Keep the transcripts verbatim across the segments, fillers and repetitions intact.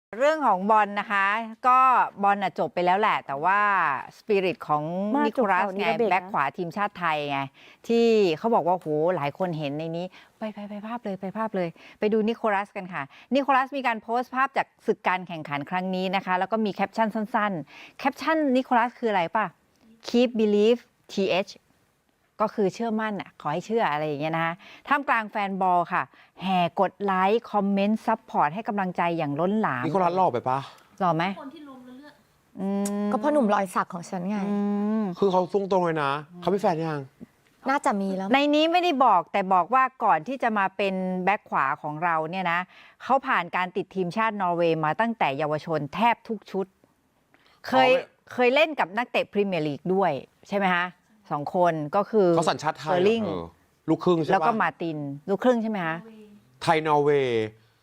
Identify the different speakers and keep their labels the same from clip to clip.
Speaker 1: เรื่องของบอลนะคะ ก็บอลน่ะจบไปแล้วแหละ แต่ว่าสปิริตของ
Speaker 2: มา
Speaker 1: นิโคลัส
Speaker 2: จบข่าวนี้
Speaker 1: ไง
Speaker 2: ก็เบรกนะ
Speaker 1: แบ็คขวาทีมชาติไทยไง ที่เขาบอกว่าโหหลายคนเห็นในนี้ ไปไปไปภาพเลยไปภาพเลย ไปดูนิโคลัสกันค่ะ นิโคลัสมีการโพสต์ภาพจากศึกการแข่งขันครั้งนี้นะคะ แล้วก็มีแคปชั่นสั้นๆ แคปชั่นนิโคลัสคืออะไรป่ะ keep believe th ก็คือเชื่อมั่นอ่ะขอให้เชื่ออะไรอย่างเงี้ยนะคะท่ามกลางแฟนบอลค่ะ แห่กดไลค์คอมเมนต์ซัพพอร์ตให้กำลังใจอย่างล้นหลาม
Speaker 3: นิโคลัสหล่อไปปะ
Speaker 1: หล่อไหม
Speaker 4: คนที่ล้มแล้วเลือด
Speaker 1: อืม
Speaker 2: ก็พ่อหนุ่มรอยสักของฉันไง
Speaker 1: อืม
Speaker 3: คือเขาตรงๆเลยนะ เขามีแฟนยัง
Speaker 2: น่าจะมีแล้ว
Speaker 1: ในนี้ไม่ได้บอกแต่บอกว่าก่อนที่จะมาเป็นแบ็คขวาของเราเนี่ยนะเขาผ่านการติดทีมชาตินอร์เวย์มาตั้งแต่เยาวชนแทบทุกชุด เคย
Speaker 3: อ๋อ
Speaker 1: เคยเล่นกับนักเตะพรีเมียร์ลีกด้วยใช่ไหมคะสองคนก็คือ
Speaker 3: เขาสัญชาติไทย
Speaker 1: เซอร์ลิง
Speaker 3: เออลูกครึ่งใช่ปะ
Speaker 1: แล้วก็มาร์ตินลูกครึ่งใช่ไหมคะ
Speaker 3: ไทยนอร์เวย์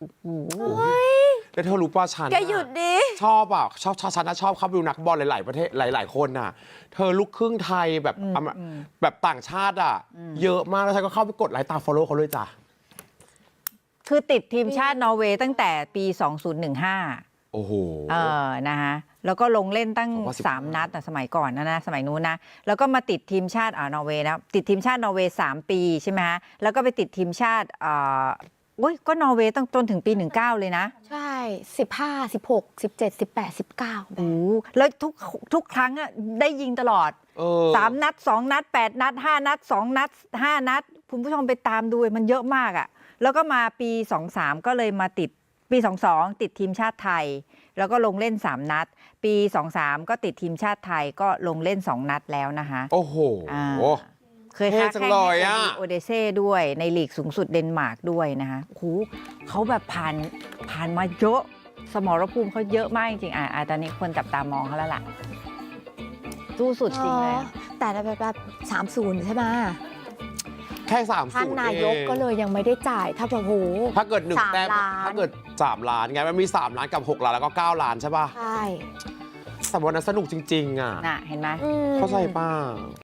Speaker 3: แล้วเธอรู้ป่ะฉัน
Speaker 2: แกหยุดดิ
Speaker 3: ชอบอ่ะชอบฉันนะชอบเข้าไปดูนักบอลหลาย ๆ ประเทศหลาย ๆ คนน่ะ เธอลูกครึ่งไทยแบบอเมแบบต่างชาติอ่ะ เยอะมากแล้วฉันก็เข้าไปกดไลค์ตามฟอลโล่เขาเลยจ้ะ
Speaker 1: คือติดทีมชาตินอร์เวย์ตั้งแต่ปี สองพันสิบห้า
Speaker 3: โอ้โห
Speaker 1: เออ นะคะแล้วก็ลงเล่นตั้ง
Speaker 3: สองพันสิบห้า
Speaker 1: สามนัดนะสมัยก่อนนะนะ สมัยนู้นนะ แล้วก็มาติดทีมชาติอ่านอร์เวย์นะ ติดทีมชาตินอร์เวย์สามปีใช่ไหมฮะ แล้วก็ไปติดทีมชาติอ่าอุ้ย ก็นอร์เวย์ตั้งจนถึงปี สิบเก้า เลยนะ
Speaker 2: ใช่ สิบห้า สิบหก สิบเจ็ด สิบแปด สิบเก้า
Speaker 1: โอ้โหแล้วทุกทุกครั้งอะได้ยิงตลอด
Speaker 3: เออ
Speaker 1: สามนัดสองนัดแปดนัดห้านัดสองนัดห้านัด คุณผู้ชมไปตามดูมันเยอะมากอะแล้วก็มาปีสองสามก็เลยมาติดปีสองสองติดทีมชาติไทย แล้วก็ลงเล่นสามนัด ปีสองสามก็ติดทีมชาติไทยก็ลงเล่นสองนัดแล้วนะคะ
Speaker 3: โอ้โห
Speaker 1: อ่า เคย
Speaker 3: เท่
Speaker 1: ค้า
Speaker 3: จัง
Speaker 1: แข่ง
Speaker 3: เลย
Speaker 1: ให้
Speaker 3: อะ
Speaker 1: โอเดเซ่ด้วยในลีกสูงสุดเดนมาร์กด้วยนะคะโอ้โหเขาแบบผ่านผ่านมาเยอะ สมรภูมิเขาเยอะมากจริงๆอ่ะอ่ะตอนนี้คนจับตามองเขาแล้วล่ะสู้สุดจริงเลย
Speaker 2: อ๋อแต่แบบแบบสามศูนย์ใช่ไหม
Speaker 3: แค่สาม
Speaker 2: ท่าน
Speaker 3: ศูนย์
Speaker 2: นายก
Speaker 3: เอง
Speaker 2: ก็เลยยังไม่ได้จ่าย ถ้าแบบโห
Speaker 3: ถ้าเกิดหนึ่ง
Speaker 2: สาม
Speaker 3: แต้ม
Speaker 2: ล้าน
Speaker 3: ถ้าเกิดสามล้านไงมันมีสามล้านกับหกล้านแล้วก็เก้าล้านใช่ป่ะ
Speaker 2: ใช่
Speaker 3: แต่วันนั้นสนุกจริง ๆ อ่ะ
Speaker 1: น่ะ เห็นไหม
Speaker 2: อืม
Speaker 3: เข้าใจป่ะ